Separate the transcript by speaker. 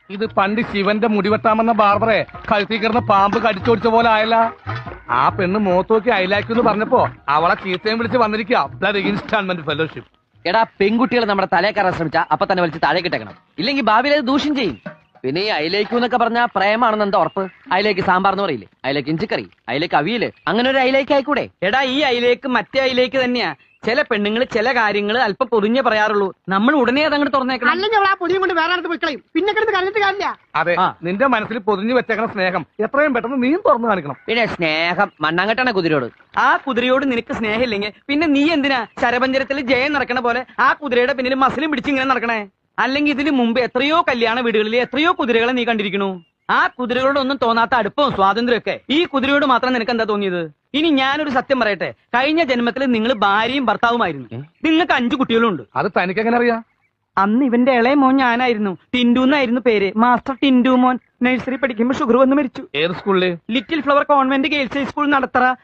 Speaker 1: ഇത് പണ്ട് ശിവന്റെ മുടിവെട്ടാമെന്ന ബാർബറെ കഴുത്തി കിടന്ന പാമ്പ് കടിച്ചോടിച്ച പോലെ ആയല്ല. ആ പെണ്ണ് മോത്തോക്കി അയലാക്കെന്ന് പറഞ്ഞപ്പോ അവളെ ചീത്തയും വിളിച്ച് വന്നിരിക്കുക ബ്ലഡ് ഇൻസ്റ്റാൾമെന്റ് ഫെലോഷിപ്പ്.
Speaker 2: എടാ, പെൺകുട്ടികൾ നമ്മുടെ തലേ കയറാൻ ശ്രമിച്ചാ അപ്പൊ തന്നെ വലിച്ച് താഴെ കിട്ടേക്കണം, ഇല്ലെങ്കിൽ ഭാവിയിൽ അത് ദൂഷ്യം ചെയ്യും. പിന്നെ ഈ അയിലേക്കു എന്നൊക്കെ പറഞ്ഞാൽ പ്രേമാണെന്ന് എന്താ ഉറപ്പ്? അയിലേക്ക് സാമ്പാർ എന്ന് പറയില്ലേ, അയിലേക്ക് ഇഞ്ചിക്കറി, അയിലേക്ക് അവിയല്, അങ്ങനെ ഒരു അയിലേക്ക് ആയിക്കൂടെ?
Speaker 3: എടാ, ഈ അയിലേക്ക് മറ്റേ അയിലേക്ക് തന്നെയാ. ചില പെണ്ണുങ്ങൾ ചില കാര്യങ്ങൾ അല്പം പൊതിഞ്ഞേ പറയാറുള്ളൂ. നമ്മൾ ഉടനെ അതങ്ങോട്ട് തുറന്നേക്കണം.
Speaker 4: അല്ലെങ്കിൽ അവൾ ആ പൊടിയും കൊണ്ട് വേറെ അടുത്ത് പോയിക്കളയും. പിന്നെ കിടന്ന് കണ്ടിട്ട് കാര്യമില്ല.
Speaker 1: അതെ, നിന്റെ മനസ്സിൽ പൊതിഞ്ഞു വെച്ചേക്കണ സ്നേഹം എത്രയും പെട്ടെന്ന് നീ തുറന്നു കാണിക്കണം.
Speaker 2: പിന്നെ സ്നേഹം മണ്ണാങ്കട്ടാണ് കുതിരയോട്.
Speaker 3: ആ കുതിരയോട് നിനക്ക് സ്നേഹമില്ലെങ്കിൽ പിന്നെ നീ എന്തിനാ ശരപഞ്ചരത്തിൽ ജയം നടക്കണ പോലെ ആ കുതിരയുടെ പിന്നിൽ മസിലും പിടിച്ച് ഇങ്ങനെ നടക്കണേ? അല്ലെങ്കിൽ ഇതിന് മുമ്പ് എത്രയോ കല്യാണ വീടുകളിൽ എത്രയോ കുതിരകളെ നീ കണ്ടിരിക്കണു. ആ കുതിരകളോടൊന്നും തോന്നാത്ത അടുപ്പവും സ്വാതന്ത്ര്യമൊക്കെ ഈ കുതിരയോട് മാത്രം നിനക്ക് എന്താ തോന്നിയത്? ഇനി ഞാനൊരു സത്യം പറയട്ടെ, കഴിഞ്ഞ ജന്മത്തിൽ നിങ്ങൾ ഭാര്യയും ഭർത്താവുമായിരുന്നു. നിങ്ങൾക്ക് 5 കുട്ടികളുണ്ട്.
Speaker 1: അത് തനിക്കെങ്ങനെ അറിയാം?
Speaker 3: അന്ന് ഇവന്റെ ഇളയ മോൻ ഞാനായിരുന്നു. ടിൻഡു എന്നായിരുന്നു പേര്. മാസ്റ്റർ ടിൻഡു മോൻ. നഴ്സറി പഠിക്കുമ്പോൾ ഷുഗർ വന്ന് മരിച്ചു.
Speaker 1: ഏത് സ്കൂളില്?
Speaker 3: Little flower convent girls high school Nadathara.